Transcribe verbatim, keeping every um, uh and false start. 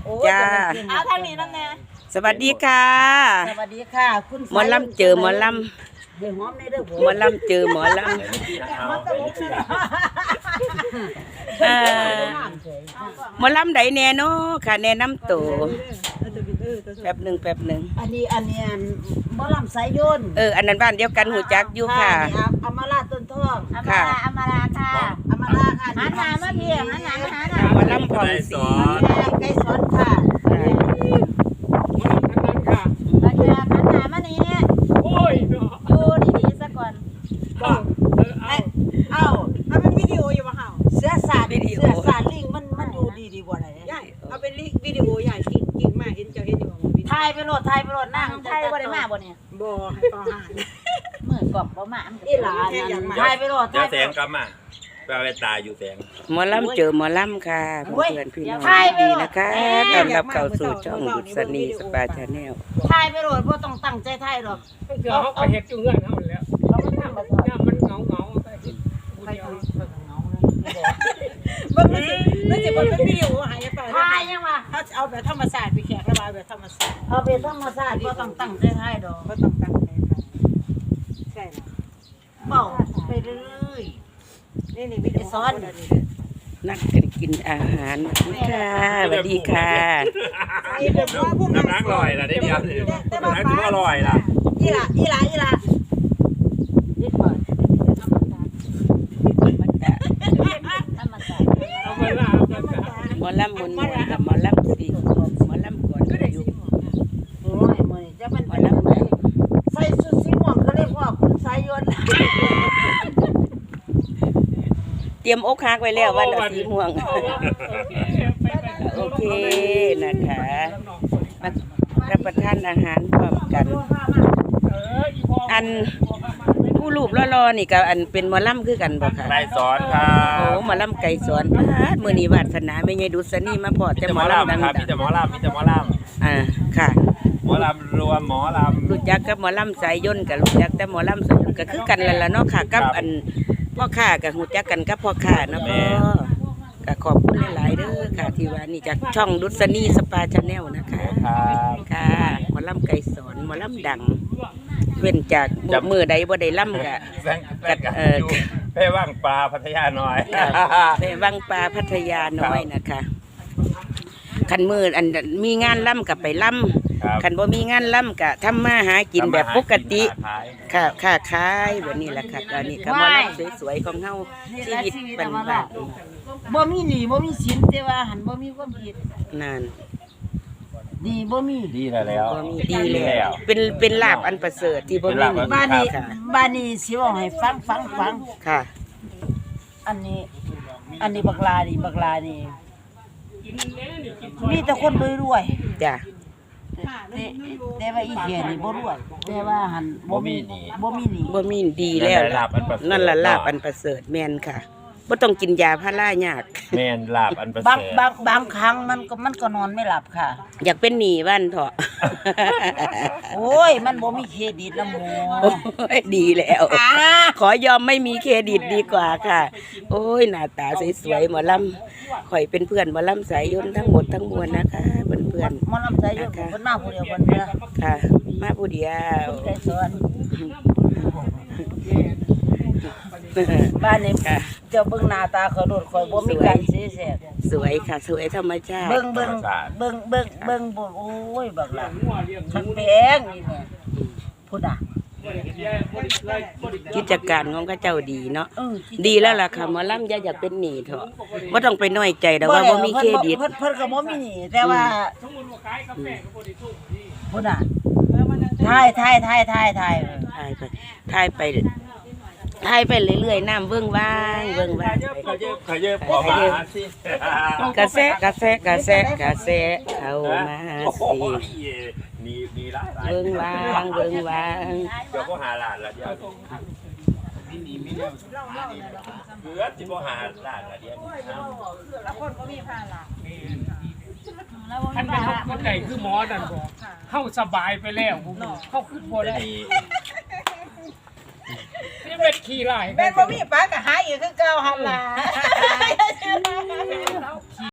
จ้าเอาทางนี้นั่นแน่สวัสดีค่ะสวัสดีค่ะคุณหมอลำเจอหมอลำหมอลำเจอหมอลำหมอลำใดแน่เนาะค่ะแนะนำตัวแป๊บหนึ่งแป๊บหนึ่งอันนี้อันนี้หมอลำสายยนต์เอออันนั้นบ้านเดียวกันหูจักอยู่ค่ะอมาลาต้นทองอมาลาอมาลาค่ะอมาลาค่ะหันหน้ามาเพียงหันหน้ามาหาหน้าหมอลำผ่องสีไก่สอนค่ะราคาหันหน้ามานี่โอ้ยดูดีๆซะก่อนเอาถ้าเป็นวิดีโออยู่บ่เฮาเสื้อสาดเสื้อสาดลิงมันมันอยู่ดีดีบ่ได้ใหญ่เอาเป็นวิดีโอใหญ่กิ่งกิ่งมาเห็นเจ้าเห็นอยู่บ่ถ่ายไปโหลดถ่ายไปโหลดนั่งถ่ายบ่ได้มาบ่เนี่ยบ่ให้ต่อหานมื้อกล่อมบ่มาอีหลานถ่ายไปโหลดถ่ายแสงกลับมาแปลว่าตาอยู่แสงหมอลำเจอหมอลำค่ะเพื่อนพี่น้องดีนะคะตอนรับเข้าสู่ช่องดุษณีสปาชาแนลถ่ายไปโหลดบ่ต้องตั้งใจถ่ายหรอกเดี๋ยวเขาก็เฮ็ดอยู่เฮือนเฮาแล้วเขามันทำมันมันเหงาๆก็เฮ็ดไปเอาเหงาเลยบ่มันสิบ่เป็นวิดีโอหายไปถ่ายยังวะเขาเอาแบบธรรมชาติไปแขกระบายแบบธรรมชาติเอาแบบธรรมชาติบ่ต้องตั้งใจถ่ายดอกบ่ต้องตั้งใจใช่ล่ะเว้าไปเรื่อยนี่นี่วิดีโอซ้อนนักกันกินอาหารค่ะสวัสดีค่ะน้ำล้างลอยล่ะได้เดียวนี่น้ำล้างถือว่าลอยล่ะอีหล่ะอีหล่ะอีหล่ะนิดหน่อยธรรมชาติธรรมชาติเอามาล่ะหมอลำมนต์กับหมอลำสีหมอลำก่อนก็ได้อยู่โอ้ยมื้อนี้จะมันหมอลำไหนใส่ชุดสีม่วงก็เรียกว่าคุณสายยนต์เตรียมอกหักไว้แล้ววันสีม่วงโอเคนะคะมารับประทานอาหารพร้อมกันอันผู้รูปรอๆนี่กับอันเป็นหมอลำคือกันบ่ค่ะไก่สอนครับโอ้หมอลำไก่สอนมื้อนี้วาสนาแม่ยายดุษณีมาพอแต่หมอลำดังครับมีแต่หมอลำมีแต่หมอลำอ่าค่ะหมอลำรวมหมอลำรู้จักกับหมอลำสายยนต์กับรู้จักแต่หมอลำสายยนต์ก็คือกันแล้วล่ะเนาะค่ะกับอันพ่อค้ากับรู้จักกันกับพ่อค้าเนาะพ่อก็ขอบคุณหลายๆเด้อค่ะที่ว่านี่จากช่องดุษณีสปาชาแนลนะคะค่ะหมอลำไก่สอนหมอลำดังเว้นจากมือใดบ่ได้ล่ำกะกัดเออเพ่ว่างปลาพัทยาน้อยเพ่ว่างปลาพัทยาน้อยนะคะขันมืออันมีงานล่ำกับไปล่ำขันบ่มีงานล่ำกะทำมาหากินแบบปกติค่ะค่าขายแบบนี้แหละค่ะตอนนี้ก็มาล่ำสวยๆของเฮาชีวิตบ้านๆบ่มีหนี้บ่มีสินแต่ว่าหันบ่มีความผิดนั่นดีบ่มีดีแล้วบ่มีดีแล้วเป็นเป็นลาภอันประเสริฐที่บ่มีบ้านนี้บ้านนี้สิเว้าให้ฟังฟังฟังค่ะอันนี้อันนี้บักลานี่บักลานี่มีแต่คนรวยๆจ้ะแต่ว่าอีเหี้ยนี่บ่รวยแต่ว่าหันบ่มีหนี้บ่มีหนี้บ่มีดีแล้วนั่นล่ะลาภอันประเสริฐแม่นค่ะบ่ต้องกินยาพารายากแม่นลาบอันประเสริฐบางบางบางครั้งมันก็มันก็นอนไม่หลับค่ะอยากเป็นหนี้วันเถาะโอ้ยมันบ่มีเครดิตนะหมูโอ้ยดีแล้วขอยอมไม่มีเครดิตดีกว่าค่ะโอ้ยหน้าตาสวยๆหมอลำข่อยเป็นเพื่อนหมอลำสายยนต์ทั้งหมดทั้งมวลนะคะเพื่อนๆหมอลำสายยนต์เพิ่นมาผู้เดียวเพิ่นเด้อค่ะมาผู้เดียวไก่สอนบ้านนี้เจ้าเบิ่งหน้าตาเขาโดดข่อยบ่มีการเสียแสบสวยค่ะสวยธรรมชาติเบิ่งเบิ่งเบิ่งเบิ่งเบิ่งบ่โอ้ยบักล่ะคันแพงนี่แม่พุ่นน่ะกิจการของเขาเจ้าดีเนาะดีแล้วล่ะค่ะหมอลำอย่าอยากเป็นหนี้เถอะบ่ต้องไปน้อยใจดอกว่าบ่มีเครดิตเพิ่นเพิ่นก็บ่มีหนี้แต่ว่าพุ่นน่ะถ่ายถ่ายถ่ายถ่ายถ่ายถ่ายไปถ่ายไปถ่ายไปเรื่อยๆน้ำเบิ่งว่างเบิ่งว่างขยขยพอมาสิกระแสกระแสกระแสกระแสเข้ามาสินี่นี่ละเบิ่งว่างเบิ่งว่างเดี๋ยวก็หาหลานละเดี๋ยวนี่นี่มีแล้วเกือบสิบ่หาหลานละเดี๋ยวแล้วคนก็มีพาหลานท่านเป็นคนใหญ่คือหมอนั่นบ่เข้าสบายไปแล้วเข้าขึ้นบ่ได้นี่เป็นขี้ไล่แม่นบ่มีป้าก็หาอีกคือเก่าหั่นล่ะ